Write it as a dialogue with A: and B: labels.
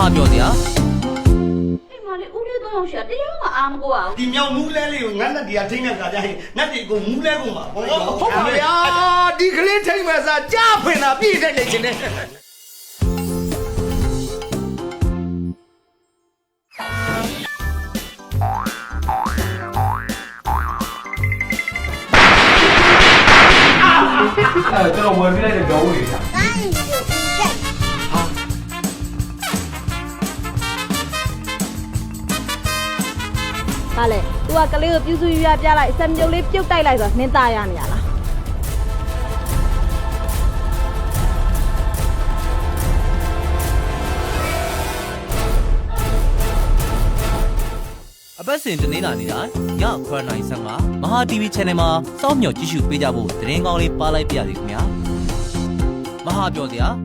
A: ပြောစရာ
B: အိမ်မလေးဦးလေးတော့ရောက်ရှာတရားကအာမကိုအောင်
C: ဒီမြောင်မူးလဲလေးကိုငါနဲ့ဒီကထိန်းတဲ့ခါကျရင်နတ်တွေကိုမူးလဲကုန်ပါဟုတ်
D: ဟုတ်ပါဗျာဒီကလေးထိမ့်မဲ့စားကြားဖွင့်တာပြည့်တဲ့နေချင်းနဲ့
E: ကျွန်တော်ဝယ်ပြလိုက်တဲ့ကြောဦးလေးရှာ
F: ဟာလေ तू ကကလေးကိုပြုစုရွရပြလိုက်စံမြုပ်လေးပြုတ်တိုက်လိုက်ဆိုတော့နင်းသားရနေရလား
A: အပတ်စဉ်တနေ့လာနေတာည9:55မဟာ TV Channel မှာစောင့်မျှော်ကြည့်ရှုပေးကြဖို့သတင်းကောင်းလေးပါလိုက်ပြရစီခင်ဗျာမဟာပြောစရာ